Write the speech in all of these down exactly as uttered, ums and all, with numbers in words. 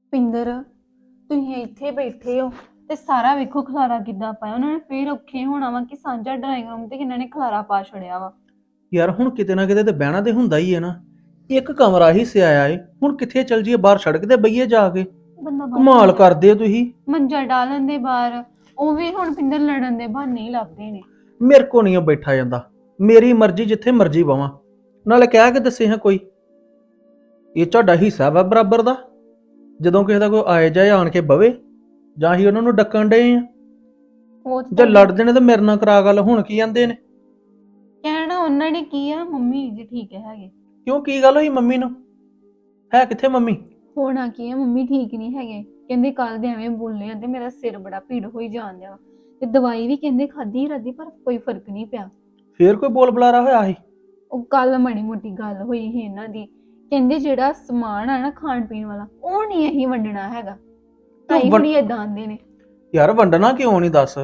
ਪਿੰਦਰ ਤੁਸੀਂ ਇੱਥੇ ਬੈਠੇ ਹੋ ਤੇ ਸਾਰਾ ਵੇਖੋ ਖਲਾਰਾ ਕਿੱਦਾਂ ਪਾਇਆ ਉਹਨਾਂ ਨੇ ਫੇਰ ਔਖੇ ਹੋਣਾ ਵਾ ਕਿ ਸਾਂਝਾ ਡਰਾਇੰਗ ਰੂਮ ਤੇ ਕਿੰਨਾਂ ਨੇ ਖਲਾਰਾ ਪਾ ਛੜਿਆ ਵਾ। ਯਾਰ ਹੁਣ ਕਿਤੇ ਨਾ ਕਿਤੇ ਤੇ ਬਹਿਣਾ ਤੇ ਹੁੰਦਾ ਹੀ ਹੈ ਨਾ। ਇੱਕ ਕਮਰਾ ਹੀ ਸਿਆਇਆ ਏ, ਹੁਣ ਕਿੱਥੇ ਚੱਲ ਜੀਏ? ਬਾਹਰ ਸੜਕ ਤੇ ਬਈਏ ਜਾ ਕੇ? ਬੰਦਾ ਬਾਹਰ ਕਮਾਲ ਮੰਜਾ ਕਰਦੇ ਹੋ ਤੁਸੀਂ। ਮੰਜਾ ਡਾਲਣ ਦੇ ਬਾਹਰ ਉਹ ਵੀ ਹੁਣ ਪਿੰਦਰ ਲੜਨ ਦੇ ਬਹਾਨੇ ਹੀ ਲੱਭਦੇ ਨੇ। ਮੇਰੇ ਕੋ ਨਹੀਂ ਬੈਠਾ ਜਾਂਦਾ, ਮੇਰੀ ਮਰਜ਼ੀ, ਜਿੱਥੇ ਮਰਜ਼ੀ ਬਵਾਂ। ਨਾਲੇ ਕਹਿ ਕੇ ਦੱਸੇ ਹਾਂ ਕੋਈ ਇਹ ਤੁਹਾਡਾ ਹਿੱਸਾ ਵਾ ਬਰਾਬਰ ਦਾ? ਜਦੋਂ ਕਿਸੇ ਦਾ ਕੋਈ ਆਏ ਜਾਏ ਆਣ ਕੇ ਬਵੇ, ਜਾਂ ਹੀ ਉਹਨਾਂ ਨੂੰ ਡੱਕਣ ਡਏ ਆ? ਉਹ ਜੇ ਤਾਂ ਲੜਦੇ ਨੇ ਤਾਂ ਮੇਰੇ ਨਾਲ ਕਰਾ ਗੱਲ, ਹੁਣ ਕੀ ਜਾਂਦੇ ਨੇ? ਕਹਿਣਾ ਉਹਨਾਂ ਨੇ ਕੀ ਆ, ਮੰਮੀ ਜੀ ਠੀਕ ਹੈਗੇ। ਕਿਉਂ, ਕੀ ਗੱਲ ਹੋਈ ਮੰਮੀ ਨੂੰ? ਹੈ ਕਿੱਥੇ ਮੰਮੀ? ਹੋਣਾ ਕੀ ਆ, ਮੰਮੀ ਠੀਕ ਨਹੀਂ ਹੈਗੇ। ਕਹਿੰਦੇ ਕੱਲ ਦੇ ਐਵੇਂ ਬੋਲੇ ਆ ਤੇ ਮੇਰਾ ਸਿਰ ਬੜਾ ਪੀੜ ਹੋਈ ਜਾਣ ਡਿਆ ਤੇ ਦਵਾਈ ਵੀ ਕਹਿੰਦੇ ਖਾਧੀ ਰਾਦੀ ਪਰ ਕੋਈ ਫਰਕ ਨਹੀਂ ਪਿਆ। ਫੇਰ ਕੋਈ ਬੋਲ ਬੁਲਾਰਾ ਹੋਇਆ ਸੀ? ਉਹ ਕੱਲ ਮਾੜੀ ਮੋਟੀ ਗੱਲ ਹੋਈ ਸੀ ਇਹਨਾਂ ਦੀ। ਕਹਿੰਦੇ ਜਿਹੜਾ ਸਮਾਨ ਆ ਨਾ ਖਾਣ ਪੀਣ ਵਾਲਾ ਉਹ ਨਹੀਂ ਅਸੀਂ ਵੰਡਣਾ ਹੈਗਾ। ਤਾਈ ਵੰ- ਹੁਣੀ ਏਦਾਂ ਆਂਦੇ ਨੇ। ਯਾਰ ਵੰਡਣਾ ਕਿਉਂ ਨਹੀਂ ਦੱਸ?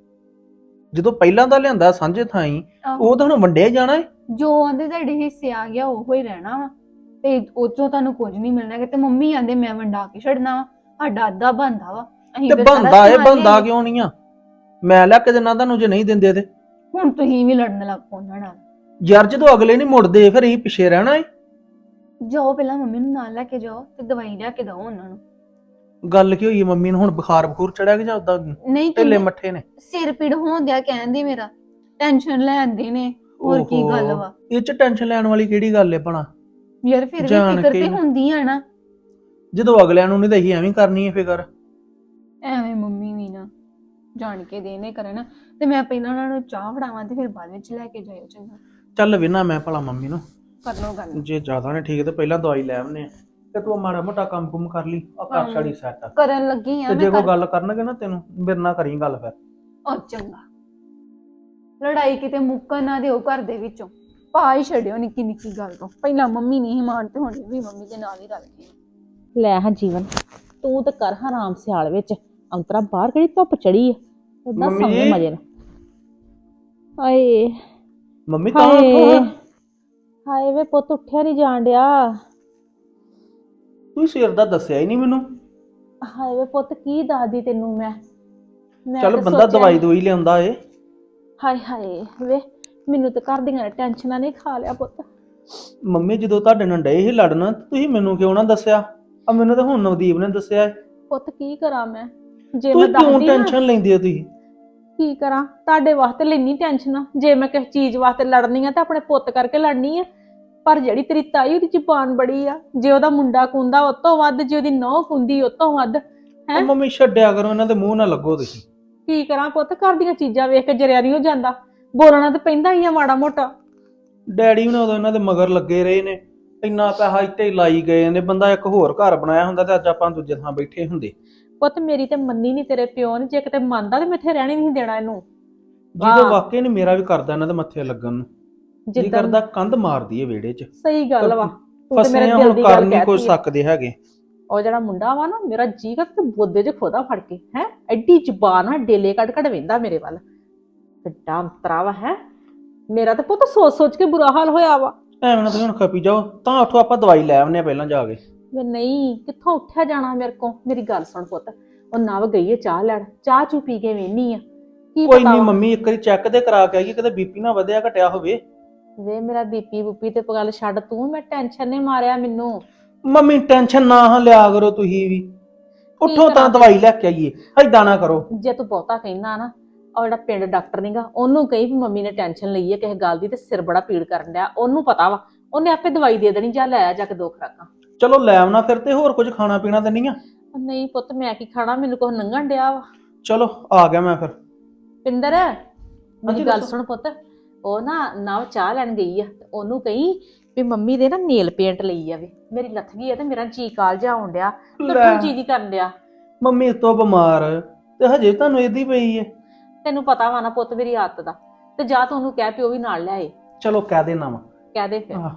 ਜਦੋਂ ਪਹਿਲਾਂ ਦਾ ਲਿਆਂਦਾ ਸਾਂਝੇ ਥਾਈ, ਆਹੋ, ਉਹ ਤਾਂ ਹੁਣ ਵੰਡਿਆ ਹੀ ਜਾਣਾ ਏ। ਜੋ ਆਂਦੇ ਤੁਹਾਡੇ ਹਿੱਸੇ ਆ ਗਿਆ ਉਹੋ ਹੀ ਰਹਿਣਾ ਵਾ ਤੇ ਉਹ ਚੋਂ ਤੁਹਾਨੂੰ ਕੁਝ ਨਹੀਂ ਮਿਲਣਾ ਕਿ ਤੇ ਮੰਮੀ ਆਂਦੇ ਮੈਂ ਵੰਡਾ ਕੇ ਛੱਡਣਾ ਵਾ, ਸਾਡਾ ਅੱਧਾ ਬਣਦਾ ਵਾ। ਅਸੀਂ ਤੇ ਫਿਰ ਸਾਰਾ ਬੰਦਾ ਏ, ਸਮਾਨ ਬੰਦਾ ਲਿਆਈਏ। ਕਿਉਂ ਨਹੀਂ ਆ? ਮੈਂ ਲਿਆ ਕੇ ਦਿੰਦਾ ਤੁਹਾਨੂੰ ਜੇ ਨਹੀਂ ਦਿੰਦੇ ਤੇ। ਹੁਣ ਤੁਸੀਂ ਵੀ ਲੜਨ ਲੱਗ ਪਓ ਉਹਨਾਂ ਨਾਲ। ਯਾਰ ਜਦੋਂ ਅਗਲੇ ਨਹੀਂ ਮੁੜਦੇ ਫਿਰ ਅਸੀਂ ਪਿੱਛੇ ਰਹਿਣਾ ਏ। ਜਾਓ ਪਹਿਲਾਂ ਮੰਮੀ ਨੂੰ ਨਾਲ ਲੈ ਕੇ ਜਾਓ ਤੇ ਦਵਾਈ ਲਿਆ ਕੇ ਦਿਓ ਉਹਨਾਂ ਨੂੰ। ਗੱਲ ਕੀ ਹੋਈ ਮੰਮੀ ਨੂੰ? ਹੁਣ ਬੁਖਾਰ ਬਖੂਰ ਚੜਿਆ ਕਿ ਜਾਂ ਉਦਾਂ ਨਹੀਂ ਢਿੱਲੇ ਕਹਿੰਦੇ ਮੱਠੇ ਨੇ? ਸਿਰ ਪੀੜ ਹੋਣ ਦਿਆ ਕਹਿੰਦੇ ਮੇਰਾ ਟੈਨਸ਼ਨ ਲੈਂਦੇ ਨੇ। ਹੋਰ ਕੀ ਗੱਲ ਓਹੋ, ਵਾ? ਇਹ ਚ ਟੈਨਸ਼ਨ ਲੈਣ ਵਾਲੀ ਕਿਹੜੀ ਗੱਲ ਏ ਭਲਾ? ਯਾਰ ਫਿਰ ਵੀ ਜਾਣ ਫਿਕਰ ਕੇ ਤੇ ਹੁੰਦੀ ਆ ਨਾ। ਜਦੋਂ ਅਗਲਿਆਂ ਨੂੰ ਨਹੀਂ ਤਾਂ ਅਸੀਂ ਐਵੇਂ ਕਰਨੀ ਏ ਫਿਕਰ। ਐਵੇਂ ਮੰਮੀ ਵੀ ਨਾ ਜਾਣ ਕੇ ਦੇਣੇ ਕਰਨ ਤੇ ਮੈਂ ਪਹਿਲਾਂ ਉਹਨਾਂ ਨੂੰ ਚਾਹ ਫੜਾਵਾਂ ਤੇ ਫਿਰ ਬਾਅਦ ਵਿੱਚ ਲੈ ਕੇ ਜਾਇਓ। ਚੰਗਾ ਚੱਲ ਵੇਨਾ ਮੈਂ ਭਲਾ ਮੰਮੀ ਨੂੰ। ਕਰ ਲਓ ਗੱਲ। ਜੇ ਜ਼ਿਆਦਾ ਨੇ ਠੀਕ ਤੇ ਪਹਿਲਾਂ ਦਵਾਈ ਲੈ ਆਉਨੇ ਆ, ਤੇ ਤੂੰ ਮਾੜਾ ਮੋਟਾ ਕੰਮ ਕੁਮ ਕਰ ਲਈ ਆ, ਕਰ ਛੜੀ ਸੈੱਟ। ਕਰਨ ਲੱਗੀ ਆ ਤੇ ਮੈਂ ਜੇ ਕੋਈ ਕਰ। ਗੱਲ ਕਰਨਗੇ ਨਾ ਤੈਨੂੰ, ਮੇਰੇ ਨਾਲ ਕਰੀ ਗੱਲ ਫਿਰ। ਉਹ ਚੰਗਾ, ਲੜਾਈ ਕਿਤੇ ਮੁੱਕਣ ਨਾ ਦਿਓ ਘਰ ਦੇ ਵਿੱਚੋਂ। ਪਾ ਹੀ ਛੱਡਿਓ ਨਿੱਕੀ ਨਿੱਕੀ ਗੱਲ ਤੋਂ। ਪਹਿਲਾਂ ਮੰਮੀ ਨਹੀਂ ਮਾਨ ਤੇ ਹੁਣ ਵੀ ਮੰਮੀ ਦੇ ਨਾਲ ਹੀ ਰਲ ਗਈ। ਲੈ ਹਾਂ ਜੀਵਨ, ਤੂੰ ਤੇ ਕਰ ਹਰਾਮ ਸਿਆਲ ਵਿੱਚ ਅੰਤਰਾ। ਬਾਹਰ ਕਿਹੜੀ ਧੁੱਪ ਚੜੀ ਆ, ਓਦਾਂ ਮੰਮੀ ਸੌਂਦੇ ਜੀ। ਮਜੇ ਨਾਲ। ਹਾਏ ਮੰਮੀ ਤਾਂ ਉੱਠੋ ਹਾਏ ਹਾਂ। ਹਾਏ ਵੇ ਪੁੱਤ, ਉੱਠਿਆ ਨਹੀਂ ਜਾਣ ਡਿਆ। ਤੂੰ ਸਿਰ ਦਾ ਦੱਸਿਆ ਹੀ ਨਹੀਂ ਮੈਨੂੰ। ਹਾਏ ਵੇ ਪੁੱਤ, ਕੀ ਦੱਸਦੀ ਤੈਨੂੰ ਮੈਂ ਮੈਂ ਚੱਲ ਤੇ ਬੰਦਾ ਸੋਚਿਆ ਦਵਾਈ ਦਵਾਈ ਲਿਆਉਂਦਾ ਏ। ਹਾਏ ਹਾਏ ਵੇ, ਮੈਨੂੰ ਤੇ ਘਰ ਦੀਆਂ ਟੈਨਸ਼ਨਾਂ ਨੇ ਖਾ ਲਿਆ ਪੁੱਤ। ਮੰਮੀ ਜਦੋਂ ਤੁਹਾਡੇ ਨਾਲ ਡਏ ਸੀ ਲੜਨ, ਤੁਸੀਂ ਮੈਨੂੰ ਕਿਉਂ ਨਾ ਦੱਸਿਆ? ਆ ਮੈਨੂੰ ਤਾਂ ਹੁਣ ਨਵਦੀਪ ਨੇ ਦੱਸਿਆ ਏ। ਪੁੱਤ ਕੀ ਕਰਾਂ ਮੈਂ, ਜੇ ਮੈਂ ਤੁਸੀਂ ਕਿਉਂ ਦੱਸਦੀ ਨਾ ਟੈਨਸ਼ਨ ਲੈਂਦੇ ਹੋ ਤੁਸੀਂ? ਕੀ ਕਰਾਂ? ਤੁਹਾਡੇ ਵਾਸਤੇ ਲੈਣੀ ਟੈਨਸ਼ਨ। ਜੇ ਮੈਂ ਕਿਸੇ ਚੀਜ਼ ਵਾਸਤੇ ਲੜਨੀ ਆ ਤਾਂ ਆਪਣੇ ਪੁੱਤ ਕਰਕੇ ਲੜਨੀ ਆ। ਪਰ ਜਿਹੜੀ ਤੇਰੀ ਤਾਈ, ਉਹਦੀ ਜ਼ੁਬਾਨ ਬੜੀ ਆ। ਜੇ ਉਹਦਾ ਮੁੰਡਾ ਕੁੰਦਾ ਉਹ ਤੋਂ ਵੱਧ, ਜੇ ਉਹਦੀ ਨਹੁੰ ਕੁੰਦੀ ਉਹ ਤੋਂ ਵੱਧ। ਉਹ ਮੰਮੀ ਛੱਡਿਆ ਕਰੋ, ਇਹਨਾਂ ਦੇ ਮੂੰਹ ਨਾ ਲੱਗੋ ਤੁਸੀਂ। ਕੀ ਕਰਾਂ ਪੁੱਤ, ਘਰ ਦੀਆਂ ਚੀਜ਼ਾਂ ਵੇਖ ਕੇ ਜਰਿਆ ਨਹੀਂ ਹੋ ਜਾਂਦਾ। ਬੋਲਣਾ ਤਾਂ ਪੈਂਦਾ ਹੀ ਆ ਮਾੜਾ ਮੋਟਾ। ਡੈਡੀ ਵੀ ਨਾ ਉਦੋਂ ਇਹਨਾਂ ਦੇ ਮਗਰ ਲੱਗੇ ਰਹੇ ਨੇ, ਇੰਨਾ ਪੈਸਾ ਇੱਥੇ ਹੀ ਲਾਈ ਗਏ ਨੇ। ਬੰਦਾ ਇੱਕ ਹੋਰ ਘਰ ਬਣਾਇਆ ਹੁੰਦਾ ਤੇ ਅੱਜ ਆਪਾਂ ਦੂਜੇ ਥਾਂ ਬੈਠੇ ਹੁੰਦੇ। ਪੁੱਤ ਮੇਰੀ ਤੇ ਮੰਨੀ ਨਹੀਂ ਤੇਰੇ ਪਿਓ ਨੇ। ਜੇ ਕਿਤੇ ਮੰਨਦਾ ਤੇ ਮੈਂ ਇੱਥੇ ਰਹਿਣੀ ਨਹੀਂ ਦੇਣਾ ਇਹਨੂੰ। ਜਿਹਦੇ ਵਾਕਈ ਨੇ ਮੇਰਾ ਵੀ ਕਰਦਾ ਇਹਨਾਂ ਦੇ ਮੱਥੇ ਲੱਗਣ ਨੂੰ। ਜੀ ਜਿੱਦਾਂ ਕਰਦਾ ਕੰਧ ਮਾਰਦੀ ਏ ਵਿਹੜੇ 'ਚ। ਸਹੀ ਗੱਲ ਵਾ, ਤੂੰ ਤੇ ਮੇਰੇ ਫਸੇ ਦਿਲ ਹੁਣ ਦੀ ਕਰ ਗੱਲ ਨਹੀਂ ਕੁਝ ਕਹਿਤੀ ਆ। ਸਕਦੇ ਹੈਗੇ। ਉਹ ਜਿਹੜਾ ਮੁੰਡਾ ਵਾ ਨਾ, ਮੇਰਾ ਜੀ ਕਰ ਤੇ ਬੋਦੇ 'ਚ ਖੋਦਾ ਫੜ ਕੇ ਹੈ ਐਡੀ ਜ਼ੁਬਾਨ ਆ, ਡੇਲੇ ਕੱਢ ਕੱਢ ਵੇਂਦਾ ਮੇਰੇ ਵੱਲ। ਕਿੱਡਾ ਅੰਤਰਾ ਵਾ ਹੈ ਮੇਰਾ। ਤੇ ਪੁੱਤ ਸੋਚ ਸੋਚ ਕੇ ਬੁਰਾ ਹਾਲ ਹੋਇਆ ਵਾ। ਐਵੇਂ ਨਾ ਤੁਸੀਂ ਹੁਣ ਖਪੀ ਜਾਓ, ਤਾਂ ਉੱਠੋ ਆਪਾਂ ਦਵਾਈ ਲੈ ਆਉਂਦੇ ਆ ਪਹਿਲਾਂ ਜਾ ਕੇ। ਵੇ ਨਹੀਂ, ਕਿੱਥੋਂ ਉੱਠਿਆ ਜਾਣਾ ਮੇਰੇ ਕੋ। ਮੇਰੀ ਗੱਲ ਸੁਣ ਪੁੱਤ, ਉਹ ਨਵ ਗਈ ਹੈ ਚਾਹ ਲੈਣ। ਚਾਹ ਚੂ ਪੀ ਕੇ ਵੇਹਨੀ ਆ ਕੀ ਕੋਈ ਪਤਾ ਨਹੀਂ ਵਾ। ਮੰਮੀ, ਇੱਕ ਵਾਰੀ ਚੈੱਕ ਤੇ ਕਰਾ ਕੇ ਆਈਏ, ਕਿਤੇ ਬੀਪੀ ਨਾ ਵਧਿਆ ਘਟਿਆ ਹੋਵੇ। ਵੇ ਮੇਰਾ ਬੀਪੀ ਬੂਪੀ ਤੇ ਗੱਲ ਛੱਡ ਤੂੰ, ਮੈਂ ਟੈਨਸ਼ਨ ਨੇ ਮਾਰਿਆ ਮੈਨੂੰ। ਮੰਮੀ ਟੈਨਸ਼ਨ ਨਾ ਹਾਂ ਲਿਆ ਕਰੋ ਤੁਸੀਂ ਵੀ। ਉੱਠੋ ਤਾਂ ਕਰਾਂ ਦਵਾਈ ਲੈ ਕੇ ਆਈਏ, ਏਦਾਂ ਨਾ ਕਰੋ। ਜੇ ਤੂੰ ਬਹੁਤਾ ਕਹਿਣਾ ਨਾ, ਉਹ ਜਿਹੜਾ ਪਿੰਡ ਡਾਕਟਰ ਨੀਗਾ, ਉਹਨੂੰ ਕਹੀ ਵੀ ਮੰਮੀ ਨੇ ਟੈਨਸ਼ਨ ਲਈ ਹੈ ਕਿਸੇ ਗੱਲ ਦੀ ਤੇ ਸਿਰ ਬੜਾ ਪੀੜ ਕਰਨ ਡਿਆ। ਉਹਨੂੰ ਪਤਾ ਵਾ, ਉਹਨੇ ਆਪੇ ਦਵਾਈ ਦੇ ਦੇਣੀ। ਜਾ ਲੈ ਆ ਜਾ ਕੇ ਦੋ ਖੁਰਾਕਾਂ। ਚਲੋ ਲੈ ਆਉਣਾ ਫਿਰ, ਤੇ ਹੋਰ ਕੁਝ ਖਾਣਾ ਪੀਣਾ ਤਾਂ ਨਹੀਂ ਆ? ਨਹੀਂ ਪੁੱਤ, ਮੈਂ ਕੀ ਖਾਣਾ, ਮੈਨੂੰ ਕੁਛ ਲੰਘਣ ਡਿਆ ਵਾ। ਚਲੋ ਆ ਗਿਆ ਮੈਂ ਫਿਰ। ਪਿੰਦਰ ਮੇਰੀ ਗੱਲ ਦੱਸੋ। ਸੁਣ ਪੁੱਤ, ਉਹ ਨਾ ਨਵ ਚਾਹ ਲੈਣ ਗਈ ਆ ਤੇ ਉਹਨੂੰ ਕਹੀ ਵੀ ਮੰਮੀ ਦੇ ਨਾ ਨੇਲ ਪੇਂਟ ਲਈ ਆਵੇ। ਮੇਰੀ ਲੱਥ ਗਈ ਆ ਤੇ ਮੇਰਾ ਜੀ ਕਾਲ ਜਾ ਆਉਣ ਡਿਆ, ਟੁੱਟਣ ਜੀ ਨਹੀਂ ਕਰਨ ਡਿਆ। ਮੰਮੀ ਤੋਂ ਬਿਮਾਰ ਤੇ ਹਜੇ ਤੁਹਾਨੂੰ ਇਹਦੀ ਪਈ ਏ। ਤੈਨੂੰ ਪਤਾ ਵਾ ਨਾ ਪੁੱਤ ਮੇਰੀ ਆਦਤ ਦਾ। ਤੇ ਜਾ ਤੂੰ ਉਹਨੂੰ ਕਹਿ ਪਿਓ ਵੀ ਨਾਲ ਲਿਆਏ। ਚਲੋ ਕਹਿ ਦੇਣਾ ਵਾ। ਕਹਿ ਦੇ ਫਿਰ।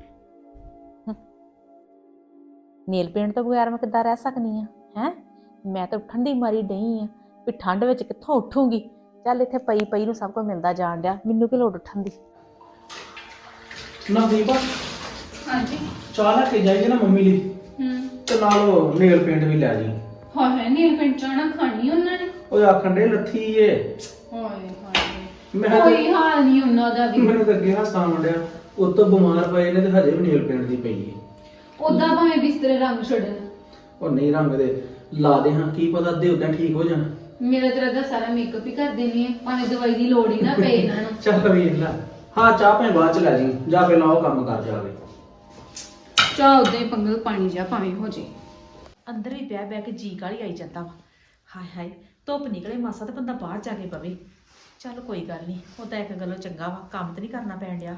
ਨੇਲ ਪੇਂਟ ਤੋਂ ਬਗੈਰ ਮੈਂ ਕਿੱਦਾਂ ਰਹਿ ਸਕਦੀ ਆ ਹੈ? ਮੈਂ ਤਾਂ ਉੱਠਣ ਦੀ ਮਾਰੀ ਡਈ ਆ ਵੀ ਠੰਡ ਵਿੱਚ ਕਿੱਥੋਂ ਉੱਠੂਗੀ। ਚੱਲ ਇੱਥੇ ਪਈ ਪਈ ਨੂੰ ਸਭ ਕੁਝ ਮਿਲਦਾ ਜਾਣ ਡਿਆ, ਮੈਨੂੰ ਕੀ ਲੋੜ ਉੱਠਣ ਦੀ। ਨਵਦੀਪ, ਹਾਂਜੀ ਚਾਹ ਲੈ ਕੇ ਜਾਈਏ ਨਾ ਮੰਮੀ ਲਈ। ਹੂੰ ਤੇ ਨਾਲ ਉਹ ਨੇਲ ਪੇਂਟ ਵੀ ਲੈ ਜੀ। ਹਾਂ ਹੈ ਨੀਲ ਪਿੰਡ ਚਾਣਾ ਖਾਣੀ ਉਹਨਾਂ ਨੇ। ਉਹ ਆਖਣ ਦੇ ਲੱਥੀ ਏ। ਹਾਏ ਹਾਏ ਮੈਂ ਤਾਂ- ਕੋਈ ਹਾਲ ਨਹੀਂ ਉਹਨਾਂ ਦਾ ਵੀ। ਮੈਨੂੰ ਤਾਂ ਅੱਗੇ ਹਾਸਾ ਆਉਂਦਿਆ ਉਹ ਤੋਂ ਬਿਮਾਰ ਪਏ ਨੇ ਤੇ ਹਜੇ ਵੀ ਨੇਲ ਪੇਂਟ ਦੀ ਪਈ ਏ। ਉਦਾਂ ਭਾਵੇਂ ਬਿਸਤਰੇ ਰੰਗ ਛੱਡਣ। ਉਹ ਨਹੀਂ ਰੰਗ ਦੇ ਲਾ ਦੇ ਹਾਂ, ਕੀ ਪਤਾ ਅੱਧੇ ਉਦਾਂ ਠੀਕ ਹੋ ਜਾਣ। ਮੇਰਾ ਤੇਰਾ ਦਾ ਸਾਰਾ ਮੇਕਅਪ ਹੀ ਕਰ ਦੇਣੀ ਹੈ, ਭਾਵੇਂ ਦਵਾਈ ਦੀ ਲੋੜ ਹੀ ਨਾ ਪਏ ਇਹਨਾਂ ਨੂੰ। ਚੱਲ ਵੇਖ ਲੈ। ਹਾਂ ਚਾਹ ਭਾਵੇਂ ਬਾਅਦ ਚ ਲੈ ਜੀ, ਜਾ ਪਹਿਲਾਂ ਉਹ ਕੰਮ ਕਰ ਜਾਵੇ। ਚਾਹ ਉਦਾਂ ਹੀ ਪੰਗਲ ਪਾਣੀ ਜਾ ਭਾਵੇਂ ਹੋ ਜੇ। ਅੰਦਰ ਵੀ ਬਹਿ ਬਹਿ ਕੇ ਜੀ ਕਾਲੀ ਆਈ ਜਾਂਦਾ ਵਾ। ਹਾਏ ਹਾਏ ਧੁੱਪ ਨਿਕਲੇ ਮਾਸਾ ਤੇ ਬੰਦਾ ਬਾਹਰ ਜਾ ਕੇ ਪਵੇ। ਚੱਲ ਕੋਈ ਗੱਲ ਨਹੀਂ, ਉਹ ਤਾਂ ਇੱਕ ਗੱਲੋਂ ਚੰਗਾ ਵਾ, ਕੰਮ ਤੇ ਨਹੀਂ ਕਰਨਾ ਪੈਣ ਡਿਆ।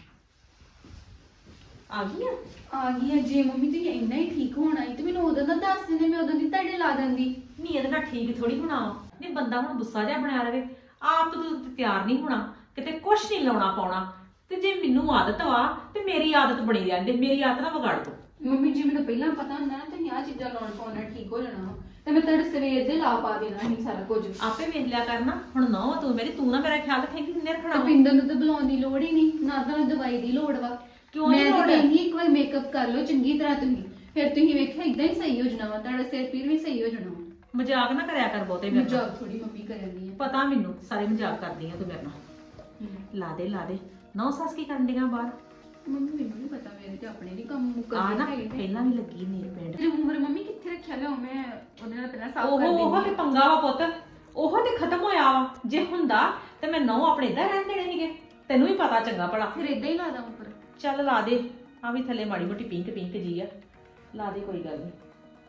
ਆ ਗਈ ਆ ਆ ਗਈ ਹੈ। ਜੇ ਮੰਮੀ ਤੁਸੀਂ ਇੰਨਾ ਹੀ ਠੀਕ ਹੋਣਾ ਸੀ ਤੇ ਮੈਨੂੰ ਉਦੋਂ ਦਾ ਦੱਸ ਦਿੰਦੇ, ਮੈਂ ਉਦੋਂ ਦੀ ਤੁਹਾਡੇ ਲਾ ਦਿੰਦੀ। ਨਹੀਂ ਇਹਦੇ ਨਾਲ ਠੀਕ ਥੋੜੀ ਹੋਣਾ ਵਾ। ਨਹੀਂ ਬੰਦਾ ਹੁਣ ਗੁੱਸਾ ਜਿਹਾ ਬਣਿਆ ਰਵੇ। ਆਪ ਤੂੰ ਤਿਆਰ ਨਹੀਂ ਹੋਣਾ, ਕਿਤੇ ਕੁਛ ਨਹੀਂ ਲਾਉਣਾ ਪਾਉਣਾ। ਤੇ ਜੇ ਮੈਨੂੰ ਆਦਤ ਵਾ ਤੇ ਮੇਰੀ ਆਦਤ ਬਣੀ ਰਹਿੰਦੀ, ਮੇਰੀ ਆਦਤ ਨਾ ਵਿਗਾੜ ਦੋ। ਮੰਮੀ ਜੀ ਮੈਨੂੰ ਪਹਿਲਾਂ ਪਤਾ ਹੁੰਦਾ ਨਾ ਤੁਸੀਂ ਆਹ ਚੀਜ਼ਾਂ ਲਾਉਣ ਪਾਉਣਾ ਠੀਕ ਹੋ ਜਾਣਾ ਵਾ, ਤੇ ਮੈਂ ਤੁਹਾਡੇ ਸਵੇਰ ਦੇ ਲਾ ਪਾ ਦੇਣਾ ਸੀ ਸਾਰਾ ਕੁਝ। ਆਪੇ ਵੇਖ ਲਿਆ ਕਰਨਾ। ਹੁਣ ਨਾ ਤੂੰ ਮੇਰੀ ਤੂੰ ਨਾ ਮੇਰਾ ਖਿਆਲ ਰੱਖੇਂਗੀ, ਕਿੰਨੇ ਰੱਖਣਾ ਵਾ। ਪਿੰਦਰ ਨੂੰ ਤਾਂ ਬੁਲਾਉਣ ਦੀ ਲੋੜ ਹੀ ਨਹੀਂ, ਨਾ ਤੁਹਾਨੂੰ ਦਵਾਈ ਦੀ ਲੋੜ ਵਾ। ਕਿਉਂ ਨਹੀਂ ਮੈਂ ਤਾਂ ਲੋੜ? ਕਹਿੰਦੀ ਇੱਕ ਵਾਰ ਮੇਕਅਪ ਕਰ ਲਓ ਚੰਗੀ ਤਰ੍ਹਾਂ ਤੁਸੀਂ, ਫਿਰ ਤੁਸੀਂ ਵੇਖਿਆ ਇਦਾਂ ਹੀ ਸਹੀ ਹੋ ਜਾਣਾ ਵਾ, ਤੁਹਾਡਾ ਸਿਰ ਪੀਰ ਵੀ ਸਹੀ ਹੋ ਜਾਣਾ ਵਾ। ਮਜ਼ਾਕ ਨਾ ਕਰਿਆ ਕਰ ਬਹੁਤੇ ਮੇਰੇ ਨਾਲ। ਮਜ਼ਾਕ ਥੋੜੀ ਮੰਮੀ ਕਰਨੀ ਹੈ। ਪਤਾ ਮੈਨੂੰ ਸਾਰੇ ਮਜ਼ਾਕ ਕਰਦੀ ਆ ਤੂੰ ਮੇਰੇ ਨਾਲ। ਲਾ ਦੇ ਲਾ ਦੇ। ਨੌ ਸੱਸ ਕੀ ਕਰਨ ਡੀਆਂ ਬਾਹਰ? ਮੰਮੀ ਮੈਨੂੰ ਨਹੀਂ ਪਤਾ, ਮੇਰੇ ਤੇ ਆਪਣੇ ਨਹੀਂ ਕੰਮ ਆ ਮੁੱਕਦੇ ਨਾ ਹੈਗੇ ਨੇ। ਪਹਿਲਾਂ ਵੀ ਲੱਗੀ ਨੀਲ ਪੇਂਟ। ਤੇਰੀ ਉਮਰ ਮੰਮੀ ਕਿੱਥੇ ਰੱਖਿਆ ਲਿਆ ਮੈਂ ਉਹਦੇ ਨਾਲ ਪਹਿਲਾਂ ਸਾਫ਼ ਉਹ ਕਰ ਉਹ ਤੇ ਦਿੰਦੀ। ਪੰਗਾ ਵਾ ਪੁੱਤ, ਉਹ ਤੇ ਖਤਮ ਹੋਇਆ ਵਾ। ਜੇ ਹੁੰਦਾ ਤੇ ਮੈਂ ਨੌ ਆਪਣੇ ਇੱਧਰ ਰਹਿਣ ਦੇਣੇ ਸੀਗੇ। ਤੈਨੂੰ ਵੀ ਪਤਾ ਚੰਗਾ ਭਲਾ। ਫਿਰ ਇਦਾਂ ਹੀ ਲਾ ਦਾਂ ਉੱਪਰ। ਚੱਲ ਲਾ ਦੇ। ਆ ਵੀ ਥੱਲੇ ਮਾੜੀ ਮੋਟੀ ਪਿੰਕ ਪਿੰਕ ਜੀ ਆ, ਲਾ ਦੇ ਕੋਈ ਗੱਲ ਨਹੀਂ।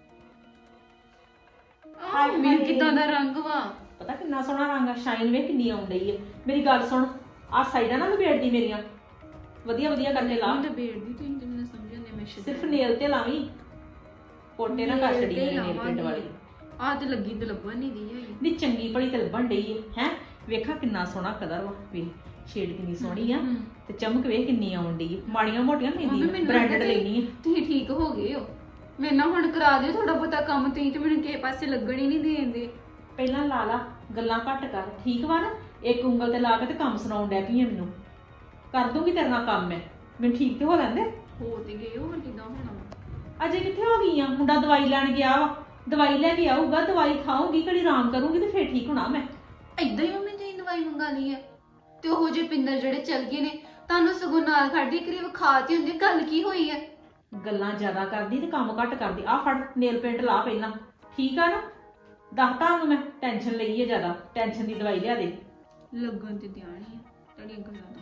ਆਹ ਮੇਰੇ ਕਿਦਾਂ ਦਾ ਰੰਗ ਵਾ। ਪਤਾ ਕਿੰਨਾ ਸੋਹਣਾ ਰੰਗ ਆ, ਸ਼ਾਈਨ ਵੇ ਕਿੰਨੀ ਆਉਣ ਡਈ ਹੈ। ਮੇਰੀ ਗੱਲ ਸੁਣ, ਆ ਸਾਈਡਾਂ ਨਾ ਲਪੇਟਦੀ ਮੇਰੀਆਂ, ਵਧੀਆ ਵਧੀਆ ਕਰਕੇ ਲਾ। ਮੈਂ ਬੇੜ ਦੀ ਤੂੰ ਤੇ ਮੈਨੂੰ ਸਮਝ ਆਉਂਦੇ ਮੈਂ ਸ਼ਿਦ ਸਿਰਫ ਨੇਲ ਤੇ ਲਾਵੀਂ, ਪੋਟੇ ਨਾ ਕਰ ਛੜੀ ਨੇਲ ਪੇਂਟ ਵਾਲੀ। ਆ ਤੇ ਲੱਗੀ ਤੇ ਲੱਭਣ ਨਹੀਂ ਦੀ ਹੈਗੀ। ਨੀ ਚੰਗੀ ਭਲੀ ਤੇ ਲੱਭਣ ਡਈ ਹੈ ਹੈ। ਵੇਖਾ ਕਿੰਨਾ ਸੋਹਣਾ ਕਲਰ ਵਾ, ਵੇ ਸ਼ੇਡ ਕਿੰਨੀ ਸੋਹਣੀ ਆ ਤੇ ਚਮਕ ਵੇ ਕਿੰਨੀ ਆਉਣ ਡਈ ਹੈ। ਮਾੜੀਆਂ ਮੋਟੀਆਂ ਲੈਂਦੀ ਬ੍ਰਾਂਡਡ ਲੈਣੀ ਹੈ। ਤੁਸੀਂ ਠੀਕ ਹੋ ਗਏ ਹੋ, ਮੇਰੇ ਨਾਲ ਹੁਣ ਕਰਾ ਦਿਓ ਥੋੜਾ ਬਹੁਤਾ ਕੰਮ। ਤੁਸੀਂ ਤੇ ਮੈਨੂੰ ਕਿਸੇ ਪਾਸੇ ਲੱਗਣ ਹੀ ਨਹੀਂ ਦੇਂਦੇ। ਪਹਿਲਾਂ ਲਾ ਲਾ, ਗੱਲਾਂ ਘੱਟ ਕਰ, ਠੀਕ ਵਾ ਨਾ। ਇੱਕ ਉਂਗਲ ਤੇ ਲਾ ਕੇ ਤੇ ਕੰਮ ਸੁਣਾਉਣ ਡੈ ਪਈ ਆ ਮੈਨੂੰ। ਕਰ ਦੂੰਗੀ ਤੇਰੇ ਨਾਲ ਕੰਮ ਮੈਂ, ਮੈਨੂੰ ਠੀਕ ਤੇ ਹੋ ਲੈਂਦੇ। ਹੋ ਤੇ ਗਏ ਹੋ, ਹੁਣ ਕਿਦਾਂ ਹੋਣਾ ਵਾ? ਅਜੇ ਕਿੱਥੇ ਹੋ ਗਈ ਆ? ਮੁੰਡਾ ਦਵਾਈ ਲੈਣ ਗਿਆ ਵਾ, ਦਵਾਈ ਲੈ ਕੇ ਆਊਗਾ, ਦਵਾਈ ਖਾਊਂਗੀ, ਘੜੀ ਆਰਾਮ ਕਰੂੰਗੀ ਤੇ ਫੇਰ ਠੀਕ ਹੋਣਾ ਮੈਂ। ਏਦਾਂ ਹੀ ਮੰਮੀ ਤੁਸੀਂ ਦਵਾਈ ਮੰਗਾ ਲਈ ਹੈ ਤੇ ਉਹ ਜੇ ਪਿੰਦਰ ਜਿਹੜੇ ਚਲ ਗਏ ਨੇ ਤੁਹਾਨੂੰ ਸਗੋਂ ਨਾਲ ਖੜਦੀ ਕਰੀ ਵਿਖਾਤੀ ਹੁੰਦੀ। ਗੱਲ ਕੀ ਹੋਈ ਹੈ? ਗੱਲਾਂ ਜ਼ਿਆਦਾ ਕਰਦੀ ਤੇ ਕੰਮ ਘੱਟ ਕਰਦੀ। ਆ ਫੜ ਨੇਲ ਪੇਂਟ ਲਾ ਪਹਿਲਾਂ, ਠੀਕ ਆ ਨਾ। ਦੱਸਤਾ ਉਹਨੂੰ ਮੈਂ, ਟੈਨਸ਼ਨ ਲਈ ਹੈ ਜ਼ਿਆਦਾ, ਟੈਨਸ਼ਨ ਦੀ ਦਵਾਈ ਲਿਆ ਦੇ। ਲੱਗਣ ਤੇ ਧਿਆਨ ਹੀ ਆ ਤੁਹਾਡੀਆਂ ਗੱਲਾਂ ਦਾ।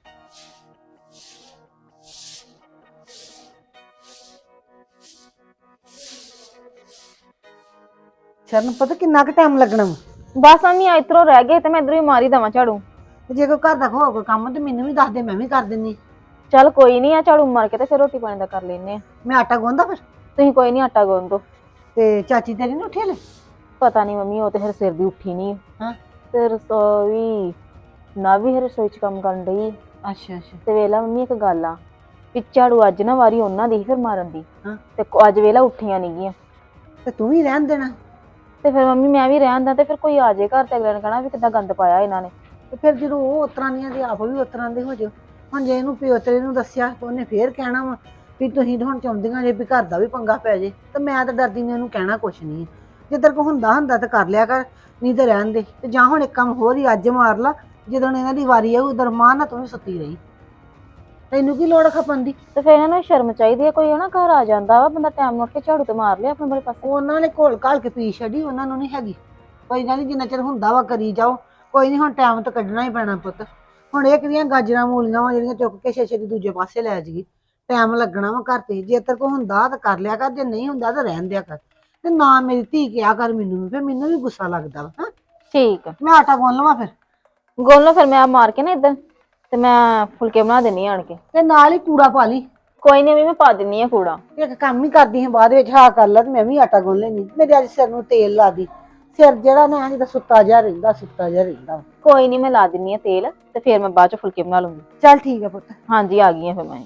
ਸ਼ਰਨ ਪਤਾ ਕਿੰਨਾ ਕੁ ਟਾਈਮ ਲੱਗਣਾ ਵਾ? ਬਸ ਆਨੀ ਇਧਰੋਂ ਰਹਿ ਗਏ ਤੇ ਮੈਂ ਇਧਰੋਂ ਹੀ ਮਾਰੀ ਦਵਾਂ ਝਾੜੂ। ਤੇ ਜੇ ਕੋਈ ਘਰ ਦਾ ਹੋ ਕੋਈ ਕੰਮ ਤੇ ਮੈਨੂੰ ਵੀ ਦੱਸ ਦੇ, ਮੈਂ ਵੀ ਕਰ ਦਿੰਨੀ। ਚੱਲ ਕੋਈ ਨਹੀਂ ਆ ਝਾੜੂ ਮਾਰ ਕੇ ਤੇ ਫਿਰ ਰੋਟੀ ਪਾਣੀ ਦਾ ਕਰ ਲੈਨੇ ਆ। ਮੈਂ ਆਟਾ ਗੁੰਨਦਾ ਫਿਰ। ਤੁਸੀਂ ਕੋਈ ਨਹੀਂ ਆਟਾ ਗੁੰਨ ਦੋ। ਤੇ ਚਾਚੀ ਤੇਰੀ ਨੀ ਉੱਠੀ ਹਲੇ? ਪਤਾ ਨਹੀਂ ਮੰਮੀ, ਉਹ ਤੇ ਫਿਰ ਸਿਰ ਦੀ ਉੱਠੀ ਨਹੀਂ। ਹਾਂ ਤੇ ਰਸੋਈ ਨਾ ਵੀ ਰਸੋਈ ਚ ਕੰਮ ਕਰਨ ਡਈ। ਅੱਛਾ ਅੱਛਾ। ਤੇ ਵੇਲਾ ਮੰਮੀ ਇੱਕ ਗੱਲ ਆ ਵੀ ਝਾੜੂ ਅੱਜ ਨਾ ਵਾਰੀ ਉਹਨਾਂ ਦੀ ਫਿਰ ਮਾਰਨ ਦੀ। ਹਾਂ ਤੇ ਅੱਜ ਵੇਲਾ ਉੱਠੀਆਂ ਨਹੀਂ ਗੀਆਂ ਤੇ ਤੂੰ ਵੀ ਰਹਿਣ ਦੇਣਾ। ਤੇ ਫਿਰ ਮੰਮੀ ਮੈਂ ਵੀ ਰਹਿਣ ਦਾ ਤੇ ਫਿਰ ਕੋਈ ਆ ਜਾਏ ਘਰ ਤੇ ਅਗਲੇ ਨੇ ਕਹਿਣਾ ਵੀ ਕਿੱਦਾਂ ਗੰਦ ਪਾਇਆ ਇਹਨਾਂ ਨੇ। ਤੇ ਫਿਰ ਜਦੋਂ ਉਹ ਉਤਰਾਂ ਦੀਆਂ ਤੇ ਆਪ ਵੀ ਉਤਰਾਂ ਦੇ ਹੋ ਜਾਓ। ਹੁਣ ਜੇ ਇਹਨੂੰ ਪਿਓ ਤੇਰੇ ਨੂੰ ਦੱਸਿਆ ਤੇ ਉਹਨੇ ਫੇਰ ਕਹਿਣਾ ਵਾ ਵੀ ਤੁਸੀਂ ਤਾਂ ਹੁਣ ਚਾਹੁੰਦੀਆਂ ਜੇ ਵੀ ਘਰ ਦਾ ਵੀ ਪੰਗਾ ਪੈ ਜੇ। ਤੇ ਮੈਂ ਤਾਂ ਡਰਦੀ ਨੇ ਉਹਨੂੰ ਕਹਿਣਾ ਕੁਛ ਨਹੀਂ। ਜੇ ਤੇਰੇ ਕੋਲ ਹੁੰਦਾ ਹੁੰਦਾ ਤਾਂ ਕਰ ਲਿਆ ਕਰ, ਨਹੀਂ ਤੇ ਰਹਿਣ ਦੇ। ਤੇ ਜਾਂ ਹੁਣ ਇੱਕ ਕੰਮ ਹੋਰ ਹੀ ਅੱਜ ਮਾਰ ਲਾ, ਜਦੋਂ ਇਹਨਾਂ ਦੀ ਵਾਰੀ ਆਊ ਉਧਰ ਮਾਂ ਨਾ ਤੂੰ ਵੀ ਸੁੱਤੀ ਰਹੀ। ਤੈਨੂੰ ਕੀ ਲੋੜ ਖਪਣ ਦੀ? ਤੇ ਫਿਰ ਇਹਨਾਂ ਨੂੰ ਸ਼ਰਮ ਚਾਹੀਦੀ ਹੈ, ਕੋਈ ਹਨਾ ਘਰ ਆ ਜਾਂਦਾ ਵਾ ਬੰਦਾ ਟਾਈਮ ਨਾਲ ਕੇ ਝਾੜੂ ਤੇ ਮਾਰ ਲਿਆ ਆਪਣੇ ਬੜੇ ਪਾਸੇ। ਉਹਨਾਂ ਨੇ ਘੋਲ ਘਾਲ ਕੇ ਪੀ ਛੱਡੀ, ਉਹਨਾਂ ਨੂੰ ਨਹੀਂ ਹੈਗੀ। ਕੋਈ ਗੱਲ ਨਹੀਂ, ਜਿੰਨਾ ਚਿਰ ਹੁੰਦਾ ਵਾ ਕਰੀ ਜਾਓ। ਕੋਈ ਨਹੀਂ, ਹੁਣ ਟਾਈਮ ਤਾਂ ਕੱਢਣਾ ਹੀ ਪੈਣਾ ਪੁੱਤ। ਹੁਣ ਇਹ ਕਿਹੜੀਆਂ ਗਾਜਰਾਂ ਮੂਲੀਆਂ ਵਾ ਜਿਹੜੀਆਂ ਚੁੱਕ ਕੇ ਛੇ ਛੇ ਦੀ ਦੂਜੇ ਪਾਸੇ ਲੈ ਜਾਈਏ। ਟਾਈਮ ਲੱਗਣਾ ਵਾ ਘਰ ਤੇ। ਜੇ ਤੇਰੇ ਕੋਲ ਹੁੰਦਾ ਤਾਂ ਕਰ ਲਿਆ ਕਰ, ਜੇ ਨਹੀਂ ਹੁੰਦਾ ਤਾਂ ਰਹਿਣ ਦਿਆ ਕਰ। ਤੇ ਨਾ ਮੇਰੀ ਧੀ ਕਿਹਾ ਕਰ ਮੈਨੂੰ ਵੀ, ਫਿਰ ਮੈਨੂੰ ਵੀ ਗੁੱਸਾ ਲੱਗਦਾ ਵਾ। ਹਾਂ ਠੀਕ ਆ, ਮੈਂ ਆਟਾ ਗੁੰਨ ਲਵਾਂ ਫਿਰ। ਗੁੰਨ ਲਓ ਫਿਰ, ਮੈਂ ਮਾਰ ਕੇ ਨਾ ਇੱਧਰ ਤੇ ਮੈਂ ਫੁਲਕੇ ਬਣਾ ਦਿੰਨੀ ਆਣ ਕੇ। ਤੇ ਨਾਲ ਹੀ ਕੂੜਾ ਪਾ ਲਈ। ਕੋਈ ਨਹੀਂ ਮੈਂ ਪਾ ਦਿੰਨੀ ਆ ਕੂੜਾ। ਇੱਕ ਕੰਮ ਹੀ ਕਰਦੀ ਹਾਂ ਬਾਅਦ ਵਿੱਚ, ਹਾਂ ਕਰ ਲਾ ਤੇ ਮੈਂ ਵੀ ਆਟਾ ਗੁੰਨ ਲੈਂਦੀ। ਮੇਰੇ ਅੱਜ ਸਿਰ ਨੂੰ ਤੇਲ ਲਾ ਦੀ। ਸਿਰ ਜਿਹੜਾ ਨਾ ਜਿੱਦਾਂ ਸੁੱਤਾ ਜਿਹਾ ਰਹਿੰਦਾ, ਸੁੱਤਾ ਜਿਹਾ ਰਹਿੰਦਾ। ਕੋਈ ਨਹੀਂ ਮੈਂ ਲਾ ਦਿੰਨੀ ਆ ਤੇਲ ਤੇ ਫਿਰ ਮੈਂ ਬਾਅਦ ਚ ਫੁਲਕੇ ਬਣਾ ਲੂੰਗੀ। ਚੱਲ ਠੀਕ ਹੈ ਪੁੱਤ। ਹਾਂਜੀ ਆ ਗਈ ਆ ਫਿਰ ਮੈਂ।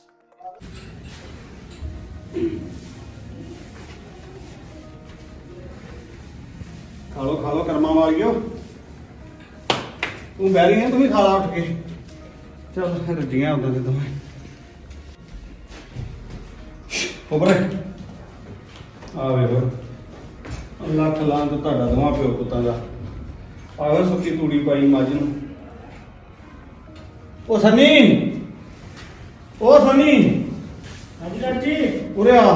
ਖਾ ਲੋ ਖਾ ਲੋ ਕਰਮਾਂ ਵਾਲਿਓ। ਤੂੰ ਬਹਿ ਰਹੀ ਹੈ, ਤੂੰ ਵੀ ਖਾ ਲਾ ਉੱਠ ਕੇ। ਚੱਲ ਰੱਜੀਆਂ ਉਦੋਂ ਤੇ ਤੂੰ ਉਬਰੇ ਆ ਵੇਖੋ ਲੱਖ ਲਾਂ ਤੋਂ ਤੁਹਾਡਾ ਦੋਵਾਂ ਪਿਓ ਪੁੱਤਾਂ ਦਾ ਆਵੇ ਸੁੱਕੀ ਤੂੜੀ ਪਾਈ ਮੱਝ ਨੂੰ। ਉਹ ਸਨੀ ਉਹ ਸਨੀ ਹਾਂਜੀ ਡਾਕਟਰ ਜੀ। ਉਰੇ ਆ।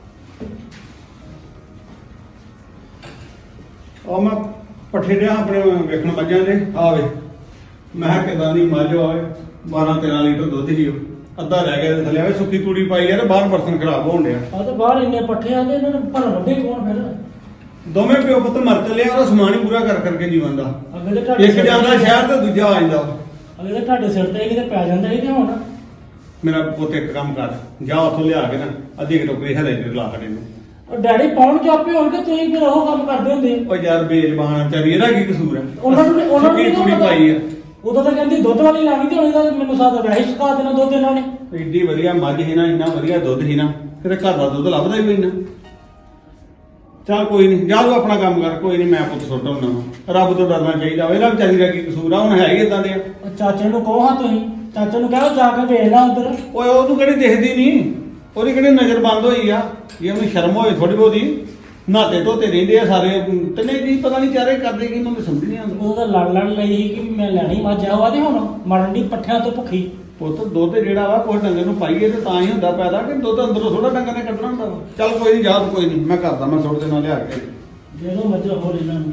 ਉਹ ਮੈਂ ਪੱਠੇ ਡਿਆ ਆਪਣੇ ਵੇਖਣ ਮੱਝਾਂ ਦੇ ਆਵੇ ਮੈਂ ਕਿਹਾ ਕਿਦਾਂ ਦੀ ਮੱਝ ਆਵੇ ਬਾਰਾਂ ਤੇਰਾਂ ਲੀਟਰ ਦੁੱਧ ਹੀ ਉਹ ਅੱਧਾ ਰਹਿ ਗਿਆ ਤੇ ਥੱਲੇ ਆਵੇ ਸੁੱਕੀ ਤੂੜੀ ਪਾਈ ਯਾਰ ਬਾਹਰ ਬਰਤਨ ਖਰਾਬ ਹੋਣ ਡਿਆ। ਆ ਤਾਂ ਬਾਹਰ ਇੰਨੇ ਪੱਠੇ ਆ ਤੇ ਇਹਨਾਂ ਨੂੰ ਭਰ ਵੱਡੇ ਕੌਣ ਫਿਰ? ਦੋਵੇਂ ਪਿਓ ਪੁੱਤ ਮਰ ਚੱਲੇ ਆ, ਉਹਦਾ ਸਮਾਨ ਹੀ ਪੂਰਾ ਕਰ ਕਰਕੇ ਜੀਵਨ ਦਾ। ਅੱਗੇ ਤੇ ਤੁਹਾਡੇ ਇੱਕ ਸਿਰ ਜਾਂਦਾ ਤੇ- ਸ਼ਹਿਰ ਤੇ ਦੂਜਾ ਆ ਜਾਂਦਾ। ਅੱਗੇ ਤੇ ਤੁਹਾਡੇ ਸਿਰ ਤੇ ਕਿਤੇ ਪੈ ਜਾਂਦਾ ਸੀ ਤੇ ਹੁਣ ਮੇਰਾ ਪੁੱਤ ਇੱਕ ਕੰਮ ਕਰ, ਜਾ ਉੱਥੋਂ ਲਿਆ ਕੇ ਨਾ ਅੱਧੀ ਕੁ ਟੋਕਰੀ ਹਰੇ ਦੇ ਲਾ ਖੜੇ ਨੂੰ। ਉਹ ਡੈਡੀ ਪਾਉਣ ਚਾਪੇ ਹੋਣਗੇ, ਤੁਸੀਂ ਫਿਰ ਉਹ ਕੰਮ ਕਰਦੇ ਹੁੰਦੇ। ਉਹ ਯਾਰ ਬੇਜ਼ਬਾਨ ਚਾਰੀ ਇਹਦਾ ਕੀ ਕਸੂਰ ਹੈ? ਉਹਨਾਂ ਨੂੰ ਉਹਨਾਂ ਨੂੰ ਸੁੱਕੀ ਨੀ ਤੂੜੀ ਪਤਾ। ਪਾਈ ਆ। ਉਦੋਂ ਤਾਂ ਕਹਿੰਦੀ ਦੁੱਧ ਵਾਲੀ ਲਾਣੀ ਤੇ ਹੁਣ ਇਹਦਾ ਮੈਨੂੰ ਸਾਦਾ ਵੈਸੇ ਹੀ ਸੁਕਾ ਦੇਣਾ ਦੁੱਧ ਇਹਨਾਂ ਨੇ। ਐਡੀ ਵਧੀਆ ਮੱਝ ਸੀ ਨਾ, ਇੰਨਾ ਵਧੀਆ ਦੁੱਧ ਸੀ ਨਾ, ਕਿਤੇ ਘਰ ਦਾ ਦੁੱਧ ਲੱਭਦਾ ਹੀ ਕੋਈ ਨਾ। ਚੱਲ ਕੋਈ ਨਹੀਂ, ਜਾ ਤੂੰ ਆਪਣਾ ਕੰਮ ਕਰ, ਕੋਈ ਨਹੀਂ ਮੈਂ ਪੁੱਤ ਸੁੱਟ ਹੁੰਦਾ। ਰੱਬ ਤੋਂ ਡਰਨਾ ਚਾਹੀਦਾ ਵਾ, ਇਹਦਾ ਵਿਚਾਰੀ ਦਾ ਕੀ ਕਸੂਰ ਆ? ਹੁਣ ਹੈ ਹੀ ਇਦਾਂ ਦੇ ਆ। ਉਹ ਚਾਚੇ ਨੂੰ ਕਹੋ ਹਾਂ ਤੁਸੀਂ, ਚਾਚੇ ਨੂੰ ਕਹੋ ਜਾ ਕੇ ਵੇਖ ਲੈ ਉਧਰ। ਓਏ ਉਹਨੂੰ ਕਿਹੜੀ ਦਿਖਦੀ ਨਹੀਂ, ਉਹਦੀ ਕਿਹੜੀ ਨਜ਼ਰ ਬੰਦ ਹੋਈ ਆ? ਜੇ ਉਹਨੂੰ ਸ਼ਰਮ ਹੋਏ ਥੋੜੀ ਬਹੁਤੀ, ਨਾਤੇ ਧੋਤੇ ਰਹਿੰਦੇ ਆ ਸਾਰੇ ਤੇ ਨਹੀਂ ਜੀ, ਪਤਾ ਨਹੀਂ ਚਾਰੇ ਕਰਦੇ ਕੀ, ਮੈਨੂੰ ਸਮਝ ਨਹੀਂ ਆਉਂਦਾ। ਉਹ ਤਾਂ ਲੜ ਲੜ ਲਈ ਸੀ ਕਿ ਮੈਂ ਲੈਣੀ ਮੱਝ ਆ ਵਾ ਤੇ ਹੁਣ ਮਰਨ ਦੀ ਪੱਠਿਆਂ ਤੋਂ ਭੁੱਖੀ। ਪੁੱਤ ਦੁੱਧ ਜਿਹੜਾ ਵਾ ਕੋਈ ਡੰਗਰ ਨੂੰ ਪਾਈਏ ਤੇ ਤਾਂ ਹੀ ਹੁੰਦਾ ਪੈਦਾ, ਕਿ ਦੁੱਧ ਅੰਦਰੋਂ ਥੋੜਾ ਡੰਗਰ ਨੇ ਕੱਢਣਾ ਹੁੰਦਾ ਵਾ। ਚੱਲ ਕੋਈ ਨਹੀਂ, ਜਾ ਤੂੰ, ਕੋਈ ਨਹੀਂ ਮੈਂ ਕਰਦਾ, ਮੈਂ ਸੁੱਟ ਦੇਣਾ ਲਿਆ ਕੇ। ਦੇ ਦੋ ਮੱਝ ਹੋਰ ਇਹਨਾਂ ਨੂੰ।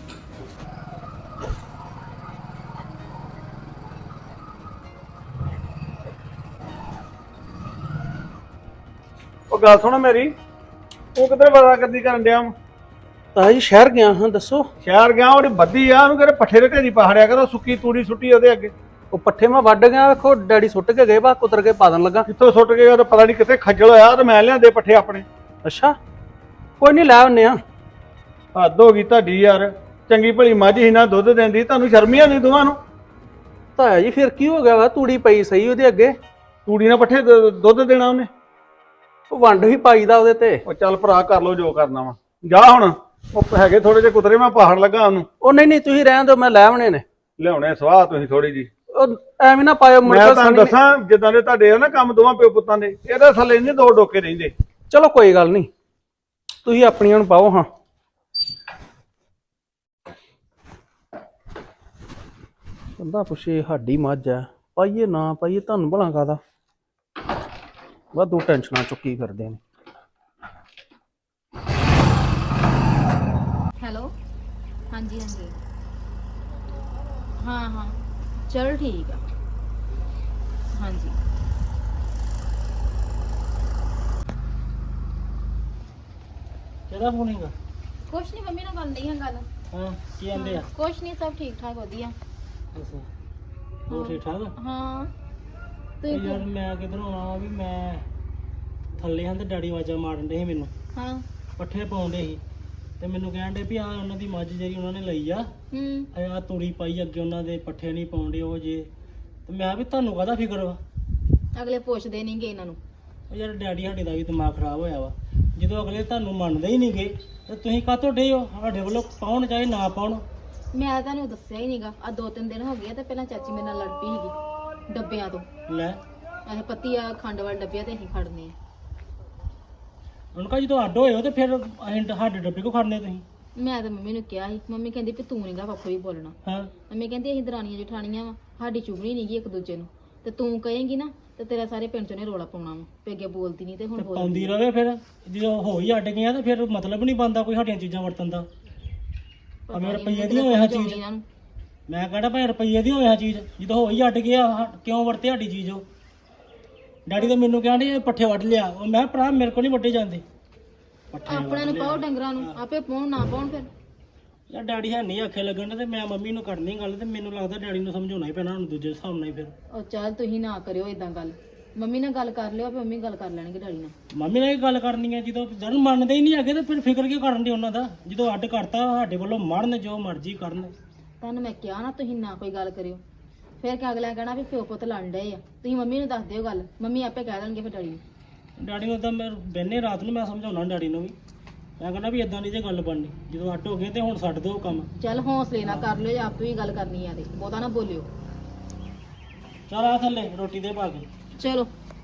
ਉਹ ਗੱਲ ਸੁਣ ਮੇਰੀ, ਉਹ ਕਿੱਧਰ ਪਤਾ ਕਰਦੀ ਕਰਨ ਡਿਆ ਵਾ? ਤਾਂ ਜੀ ਸ਼ਹਿਰ ਗਿਆ ਹਾਂ, ਦੱਸੋ। ਸ਼ਹਿਰ ਗਿਆ, ਉਹਦੀ ਬੱਦੀ ਆ, ਉਹਨੂੰ ਕਹਿੰਦੇ ਪੱਠੇ ਦੇ ਢੇਰੀ ਪਹਾੜਿਆ ਕਰੋ, ਸੁੱਕੀ ਤੂੜੀ ਸੁੱਟੀ ਉਹਦੇ ਅੱਗੇ। ਉਹ ਪੱਠੇ ਮੈਂ ਵੱਢ ਗਿਆ, ਵੇਖੋ ਡੈਡੀ ਸੁੱਟ ਕੇ ਗਏ, ਬਾ ਕੁਤਰ ਕੇ ਪਾ ਦੇਣ ਲੱਗਾ। ਕਿੱਥੋਂ ਸੁੱਟ ਕੇ ਉਹ ਪਤਾ ਨਹੀਂ ਕਿੱਥੇ ਖੱਜਲ ਹੋਇਆ, ਤੇ ਮੈਂ ਲਿਆਂਦੇ ਪੱਠੇ ਆਪਣੇ। ਅੱਛਾ, ਕੋਈ ਨਹੀਂ ਲੈ ਆਉਂਦੇ ਆ। ਹੱਦ ਹੋ ਗਈ ਤੁਹਾਡੀ ਯਾਰ, ਚੰਗੀ ਭਲੀ ਮੱਝ ਹੀ ਨਾ ਦੁੱਧ ਦਿੰਦੀ, ਤੁਹਾਨੂੰ ਸ਼ਰਮ ਹੀ ਆਉਂਦੀ ਦੋਵਾਂ ਨੂੰ। ਤਾਂ ਜੀ ਫਿਰ ਕੀ ਹੋ ਗਿਆ ਵਾ, ਤੂੜੀ ਪਈ ਸਹੀ ਉਹਦੇ ਅੱਗੇ, ਤੂੜੀ ਨਾਲ ਪੱਠੇ ਦ- ਦੁੱਧ ਦੇਣਾ ਉਹਨੇ। ਉਹ ਵੰਡ ਵੀ ਪਾਈਦਾ ਉਹਦੇ ਤੇ। ਉਹ ਚੱਲ ਭਰਾ ਕਰ ਲੋ ਜੋ ਕਰਨਾ ਵਾ, ਜਾ ਹੁਣ। ਉਹ ਹੈਗੇ ਥੋੜੇ ਜਿਹੇ ਕੁਤਰੇ, ਮੈਂ ਪਹਾੜ ਲੱਗਾ ਉਹਨੂੰ ਉਹ ਨਹੀਂ ਨਹੀਂ, ਤੁਸੀਂ ਰਹਿਣ ਦਿਓ, ਮੈਂ ਲੈ ਆਉਣੇ ਨੇ। ਲਿਆਉਣੇ ਸਵਾਹ ਤੁਸੀਂ ਥੋੜੀ ਜੀ। ਉਹ ਐਵੇਂ ਨਾ ਪਾਇਓ ਮੁੜ ਮੈਂ ਕੇ ਤੁਹਾਨੂੰ ਸਾਨੀ- ਦੱਸਾਂ, ਜਿੱਦਾਂ ਦੇ ਤੁਹਾਡੇ ਆ ਨਾ ਕੰਮ ਦੋਵਾਂ ਪਿਓ ਪੁੱਤਾਂ ਦੇ, ਇਹਦੇ ਥੱਲੇ ਨਹੀਂ ਦੋ ਡੋਕੇ ਰਹਿੰਦੇ। ਚਲੋ ਕੋਈ ਗੱਲ ਨਹੀਂ, ਤੁਸੀਂ ਆਪਣੀਆਂ ਨੂੰ ਪਾਓ ਹਾਂ। ਬੰਦਾ ਪੁੱਛੇ ਸਾਡੀ ਮੱਝ ਹੈ, ਪਾਈਏ ਨਾ ਪਾਈਏ, ਤੁਹਾਨੂੰ ਭਲਾ ਕਾਹਦਾ ਵਾਧੂ ਟੈਨਸ਼ਨਾਂ ਚੁੱਕੀ ਫਿਰਦੇ ਨੇ। ਹੈਲੋ, ਹਾਂਜੀ ਹਾਂਜੀ, ਹਾਂ ਹਾਂ, ਚਲ ਠੀਕ ਆ, ਹਾਂਜੀ। ਕਿਹਦਾ ਫੋਨ ਹੈਗਾ? ਕੁਛ ਨਹੀਂ, ਮੰਮੀ ਨਾਲ ਗੱਲ ਨਹੀਂ ਆ ਗੱਲ। ਹਾਂ, ਕੀ ਆਂਦੇ ਆ? ਕੁਛ ਨਹੀਂ, ਸਭ ਠੀਕ ਠਾਕ ਵਧੀਆ। ਅੱਛਾ, ਹੋਰ ਠੀਕ ਠਾਕ? ਹਾਂ, ਉਹ ਤੁਸੀਂ ਯਾਰ ਮੈਂ ਕਿਧਰੋਂ ਆਉਣਾ ਵੀ ਮੈਂ ਥੱਲੇ ਹਾਂ ਤੇ ਡੈਡੀ ਆਵਾਜ਼ਾਂ ਮਾਰਨ ਦੇ ਸੀ ਮੈਨੂੰ, ਹਾਂ, ਪੱਠੇ ਪਾਉਂਦੇ ਸੀ ਤੇ ਮੈਨੂੰ ਕਹਿਣ ਦੇ ਵੀ ਆ ਉਹਨਾਂ ਦੀ ਮੱਝ ਜਿਹੜੀ ਉਹਨਾਂ ਨੇ ਲਈ ਆ, ਹੂੰ, ਆ ਤੂੜੀ ਪਾਈ ਅੱਗੇ ਉਹਨਾਂ ਦੇ ਪੱਠੇ ਨਹੀਂ ਪਾਉਂਦੇ ਉਹ ਜੇ। ਤੇ ਮੈਂ ਵੀ ਤੁਹਾਨੂੰ ਕਾਹਦਾ ਫਿਕਰ ਵਾ? ਅਗਲੇ ਪੁੱਛਦੇ ਨਹੀਂਗੇ ਇਹਨਾਂ ਨੂੰ। ਉਹ ਯਾਰ ਡੈਡੀ ਸਾਡੇ ਦਾ ਵੀ ਦਿਮਾਗ ਖਰਾਬ ਹੋਇਆ ਵਾ, ਜਦੋਂ ਅਗਲੇ ਤੁਹਾਨੂੰ ਮੰਨਦੇ ਹੀ ਨਹੀਂਗੇ ਤੇ ਤੁਸੀਂ ਕਾਹਤੋਂ ਡੇ ਹੋ? ਸਾਡੇ ਵੱਲੋਂ ਪਾਉਣ ਚਾਹੇ ਨਾ ਪਾਉਣ। ਮੈਂ ਤੁਹਾਨੂੰ ਦੱਸਿਆ ਹੀ ਨਹੀਂਗਾ, ਆ ਦੋ ਤਿੰਨ ਦਿਨ ਹੋ ਗਏ ਆ ਤੇ ਪਹਿਲਾਂ ਚਾਚੀ ਮੇਰੇ ਨਾਲ ਲੜ ਪਈ ਸੀਗੀ ਡੱਬਿਆਂ ਤੋਂ। ਲੈ ਇਹ ਪੱਤੀ ਆ ਖੰਡ ਵਾਲੇ ਡੱਬਿਆਂ ਤੇ ਅਸੀਂ ਖੜਨੇ ਆ। ਉਹਨਾਂ ਕਾ ਜਦੋਂ ਅੱਡ ਹੋਏ ਹੋ ਤੇ ਫਿਰ ਅਸੀਂ ਸਾਡੇ ਡੱਬੇ ਕੋ ਖੜਨੇ ਤੁਸੀਂ? ਮੈਂ ਤਾਂ ਮੰਮੀ ਨੂੰ ਕਿਹਾ ਸੀ, ਮੰਮੀ ਕਹਿੰਦੀ ਵੀ ਤੂੰ ਨਹੀਂਗਾ ਪਾਪਾ ਵੀ ਬੋਲਣਾ। ਹਾਂ, ਮੰਮੀ ਕਹਿੰਦੀ ਅਸੀਂ ਦਰਾਣੀਆਂ ਜਠਾਣੀਆਂ ਵਾ, ਸਾਡੀ ਚੁਗਣੀ ਨਹੀਂਗੀ ਇੱਕ ਦੂਜੇ ਨੂੰ, ਤੇ ਤੂੰ ਕਹੇਂਗੀ ਨਾ ਤੇ ਤੇਰਾ ਸਾਰੇ ਪਿੰਡ ਚੋਂ ਨੇ ਰੋਲਾ ਪਾਉਣਾ ਵਾ ਵੀ ਅੱਗੇ ਬੋਲਦੀ ਨਹੀਂ ਤੇ ਹੁਣ ਤੇ ਬੋਲਦੀ। ਪਾਉਂਦੀ ਰਵੇ ਫਿਰ, ਜਦੋਂ ਹੋ ਹੀ ਅੱਡ ਗਈਆਂ ਤੇ ਫਿਰ ਮਤਲਬ ਨਹੀਂ ਬਣਦਾ ਕੋਈ ਸਾਡੀਆਂ ਚੀਜ਼ਾਂ ਵਰਤਣ ਦਾ। ਪਤਾ ਅਮੇ ਨੀ ਰੁਪਈਏ ਦੀ ਮੈਨੂੰ ਹੋਇਆ ਸਮਝ ਆਉਂਦੀ ਚੀਜ਼। ਇਹਨਾਂ ਨੂੰ। ਮੈਂ ਕਹਿੰਦਾ ਭਾਈ ਰੁਪਈਏ ਦੀ ਹੋਇਆ ਚੀਜ਼, ਜਦੋਂ ਹੋ ਹੀ ਅੱਡ ਗਿਆ ਹਾ- ਕਿਉਂ ਵਰਤੇ ਸਾਡੀ ਚੀਜ਼ ਉਹ? ਡੈਡੀ ਤਾਂ ਮੈਨੂੰ ਕਹਿੰਦੇ ਇਹ ਪੱਠੇ ਵੱਢ ਲਿਆ, ਉਹ ਮੈਂ ਭਰਾ ਮੇਰੇ ਕੋਲ ਨਹੀਂ ਵੱਢੇ ਜਾਂਦੇ ਪੱਠੇ। ਆਪਣੇ ਨੂੰ ਪਾਓ ਡੰਗਰਾਂ ਨੂੰ, ਆਪੇ ਪਾਉਣ ਨਾ ਪਾਉਣ ਫਿਰ। ਯਾਰ ਡੈਡੀ ਹੈ ਨਹੀਂ ਆਖੇ ਲੱਗਣ ਤੇ ਮੈਂ ਮੰਮੀ ਨੂੰ ਕਰਨੀ ਗੱਲ, ਤੇ ਮੈਨੂੰ ਲੱਗਦਾ ਡੈਡੀ ਨੂੰ ਸਮਝਾਉਣਾ ਹੀ ਪੈਣਾ ਹੁਣ ਦੂਜੇ ਹਿਸਾਬ ਨਾਲ ਹੀ ਫਿਰ। ਉਹ ਚੱਲ ਤੁਸੀਂ ਨਾ ਕਰਿਓ ਇਦਾਂ ਗੱਲ, ਮੰਮੀ ਨਾਲ ਗੱਲ ਕਰ ਲਿਓ, ਆਪੇ ਮੰਮੀ ਗੱਲ ਕਰ ਲੈਣਗੇ ਡੈਡੀ ਨਾਲ। ਮੰਮੀ ਨਾਲ ਹੀ ਗੱਲ ਕਰਨੀ ਹੈ, ਜਦੋਂ ਜਦ ਮੰਨਦੇ ਹੀ ਨਹੀਂ ਹੈਗੇ ਤੇ ਫਿਰ ਫਿਕਰ ਕਿਉਂ ਕਰਨ ਦੇ ਉਹਨਾਂ ਦਾ? ਜਦੋਂ ਅੱਡ ਕਰਤਾ ਸਾਡੇ ਵੱਲੋਂ ਮਰਨ ਜੋ ਮਰਜ਼ੀ ਕਰਨ। ਤੁਹਾਨੂੰ ਮੈਂ ਕਿਹਾ ਨਾ ਤੁਸੀਂ ਨਾ ਕੋਈ ਗੱਲ ਕਰਿਓ, ਫਿਰ ਕਿ ਅਗਲਾ ਕਹਿਣਾ ਵੀ ਪਿਓ ਪੁੱਤ ਲੜਨ ਡਏ ਆ। ਤੁਸੀਂ ਮੰਮੀ ਨੂੰ ਦੱਸ ਦਿਓ ਗੱਲ, ਮੰਮੀ ਆਪੇ ਕਹਿ ਦੇਣਗੇ ਫਿਰ ਡੈਡੀ ਨੂੰ। ਡੈਡੀ ਨੂੰ ਤਾਂ ਮੈਂ ਬਹਿਨੇ ਰਾਤ ਨੂੰ ਮੈਂ ਸਮਝਾਉਣਾ ਡੈਡੀ ਨੂੰ ਵੀ, ਮੈਂ ਕਹਿੰਦਾ ਵੀ ਇਦਾਂ ਦੀ ਜੇ ਗੱਲ ਬਣਨੀ, ਜਦੋਂ ਅੱਡ ਹੋ ਗਏ ਤੇ ਹੁਣ ਛੱਡ ਦਿਓ ਕੰਮ। ਚੱਲ ਹੌਸਲੇ ਨਾਲ ਕਰ ਲਿਓ, ਜਾਂ ਆਪੇ ਵੀ ਗੱਲ ਕਰਨੀ ਆ ਤੇ ਬਹੁਤਾ ਨਾ ਬੋਲਿਓ। ਚੱਲ ਆ ਥੱਲੇ ਰੋਟੀ ਦੇ ਪਾ ਕੇ। ਚਲੋ